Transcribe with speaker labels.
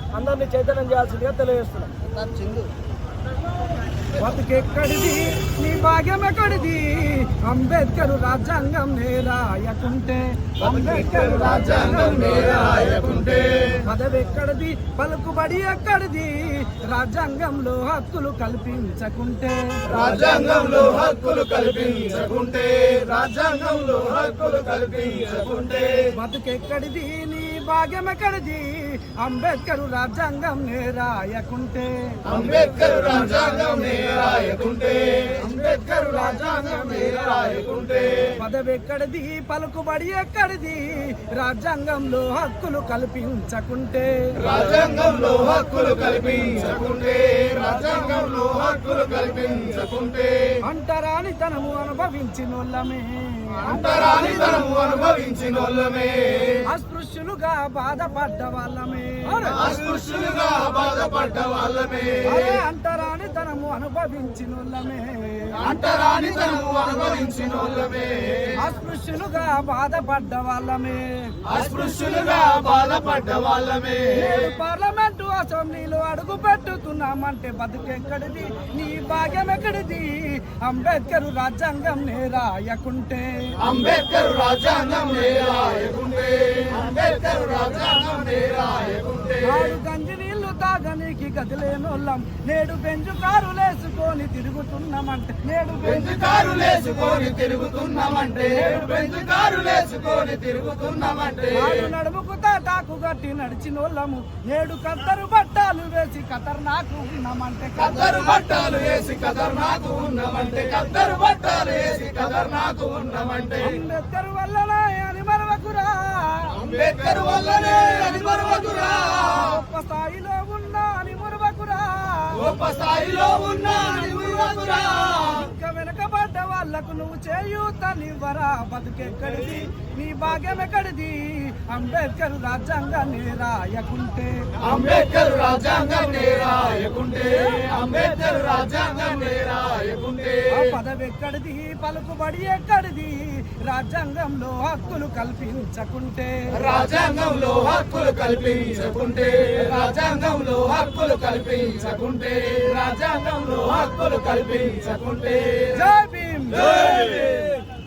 Speaker 1: అందరినీ చైతన్యం చేయాల్సిందిగా తెలియజేస్తున్నాం.
Speaker 2: బతుకెక్కడిది నీ భాగ్యం ఎక్కడిది అంబేద్కర్ రాజ్యాంగం నేరాయకుంటే
Speaker 3: అంబేద్కర్ రాజ్యాంగం నేరాయకుంటే
Speaker 2: పదవెక్కడిది పలుకుబడి ఎక్కడిది రాజ్యాంగంలో హక్కులు కల్పించకుంటే
Speaker 3: రాజ్యాంగంలో హక్కులు కల్పించకుంటే రాజ్యాంగంలో హక్కులు కల్పించకుంటే
Speaker 2: బతుకెక్కడిది నీ భాగ్యం ఎక్కడిది అంబేద్కర్ రాజ్యాంగం నేరాయకుంటే
Speaker 3: అంబేద్కర్ రాజ్యాంగం నేరాయకుంటే అంబేద్కర్ రాజ్యాంగం నేరాయకుంటే
Speaker 2: పదవెక్కడిది పలుకుబడి ఎక్కడిది రాజ్యాంగంలో హక్కులు కల్పించకుంటే
Speaker 3: రాజ్యాంగంలో హక్కులు కల్పించకుంటే రాజ్యాంగంలో హక్కులు కల్పించకుంటే
Speaker 2: అంటరానితనము అనుభవించినోళ్ళమే
Speaker 3: అంటరానితనము అనుభవించినోళ్ళమే
Speaker 2: అస్పృశ్యులుగా బాధపడ్డ వాళ్ళమే
Speaker 3: అస్పృశ్యులుగా బాధపడ్డ వాళ్ళమే
Speaker 2: అంటరానితనము అనుభవించినోళ్ళమే
Speaker 3: అంటరానితనము అనుభవించినోళ్ళమే
Speaker 2: అస్పృశ్యులుగా బాధపడ్డ వాళ్ళమే
Speaker 3: అస్పృశ్యులుగా బాధపడ్డ వాళ్ళమే
Speaker 2: పార్లమెంటు అసెంబ్లీలో అడుగు పెట్టుతున్నామంటే బతుకెక్కడిది నీ భాగ్యం ఎక్కడిది అంబేద్కర్ రాజ్యాంగం నేరాయకుంటే
Speaker 3: అంబేద్కర్ రాజ్యాంగం నేరాయకుంటే అంబేద్కర్ రాజ్యాంగం నేరాయకుంటే
Speaker 2: గంజి నీళ్లు తాగనీకి గదిలేనోళ్ళం నేడు బెంజు కారులేసుకొని తిరుగుతున్నామంటే
Speaker 3: నేడు బెంజు కారులేసుకొని తిరుగుతున్నామంటే నేడు బెంజు కారులేసుకొని తిరుగుతున్నామంటే
Speaker 2: నడుముకు తాటాకు గట్టి నడిచినోళ్ళము నేడు కత్తరు బట్టాలు వేసి ఖతర్నాకు ఉన్నామంటే
Speaker 3: కత్తరు బట్టాలు వేసి ఖతర్నాకు ఉన్నామంటే కత్తరు బట్టాలు వేసి ఖతర్నాకు ఉన్నామంటే
Speaker 2: అంబేద్కర్ వల్లనే అని మరవకురా
Speaker 3: అంబేద్కర్ వల్లనే అని మరవకురా
Speaker 2: గొప్ప స్థాయిలో ఉన్నా అని మరవకురా
Speaker 3: గొప్ప స్థాయిలో ఉన్నా అని మరవకురా
Speaker 2: ఇంకా వెనకబడ్డ వాళ్లకు నువ్వు చేయూతనివ్వరా బతుకెక్కడిది నీ భాగ్యం ఎక్కడిది అంబేద్కర్ రాజ్యాంగం నేరాయకుంటే
Speaker 3: అంబేద్కర్ రాజ్యాంగం నేరాయకుంటే అంబేద్కర్ రాజ్యాంగం నేరాయకుంటే
Speaker 2: పదవెక్కడిది పలుకుబడి ఎక్కడిది రాజ్యాంగంలో హక్కులు కల్పించకుంటే
Speaker 3: రాజ్యాంగంలో హక్కులు కల్పించకుంటే రాజ్యాంగంలో హక్కులు కల్పించకుంటే రాజ్యాంగంలో హక్కులు కల్పించకుంటే
Speaker 2: జై భీమ్.